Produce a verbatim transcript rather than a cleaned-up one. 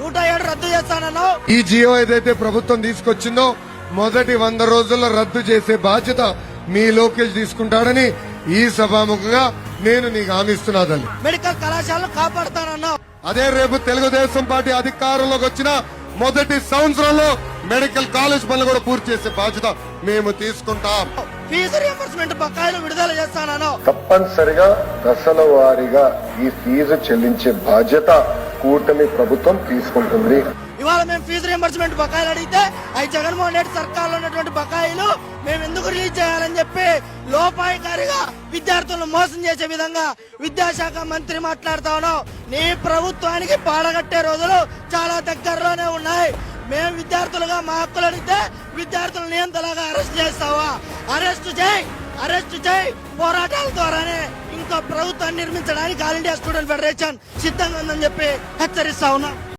నూట ఏడు రద్దు చేస్తానన్నావు. ఈ జియో ఏదైతే ప్రభుత్వం తీసుకొచ్చిందో మొదటి వంద రోజుల్లో రద్దు చేసే బాధ్యత మీ లోకేష్ తీసుకుంటాడని ఈ సభాముఖంగా నేను నీకు హామీ ఇస్తున్నాదని. మెడికల్ కళాశాలను కాపాడుతానన్నావు. అదే రేపు తెలుగుదేశం పార్టీ అధికారంలోకి వచ్చిన మొదటి సంవత్సరంలో మెడికల్ కాలేజ్ పనులు కూడా పూర్తి చేసే బాధ్యత మేము తీసుకుంటాం. ఫీజు రియంబర్స్మెంట్ బకాయిలు విడుదల చేస్తానన్నావు. తప్పనిసరిగా దశల వారీగా ఈ ఫీజు చెల్లించే బాధ్యత కూటమి ప్రభుత్వం తీసుకుంటుంది. ఇవాళ మేము ఫీజు రియంబర్స్మెంట్ బకాయిలు అడిగితే అవి జగన్మోహన్ రెడ్డి సర్కార్లో ఉన్నటువంటి బకాయిలు మేము ఎందుకు రిలీజ్ చేయాలని చెప్పి లోపాయికారిగా విద్యార్థులను మోసం చేసే విధంగా విద్యాశాఖ మంత్రి మాట్లాడుతా ఉన్నాం. నీ ప్రభుత్వానికి పాడగట్టే రోజులు చాలా దగ్గరలోనే ఉన్నాయి. మేము విద్యార్థులుగా మా హక్కులు అడిగితే విద్యార్థులను నియంతలాగా అరెస్ట్ చేస్తావా? అరెస్ట్ చేయి, అరెస్ట్ చేయి. పోరాటాల ద్వారానే ఇంకా ప్రభుత్వాన్ని నిర్మించడానికి ఆల్ ఇండియా స్టూడెంట్ ఫెడరేషన్ సిద్ధంగా ఉందని చెప్పి హెచ్చరిస్తా ఉన్నాం.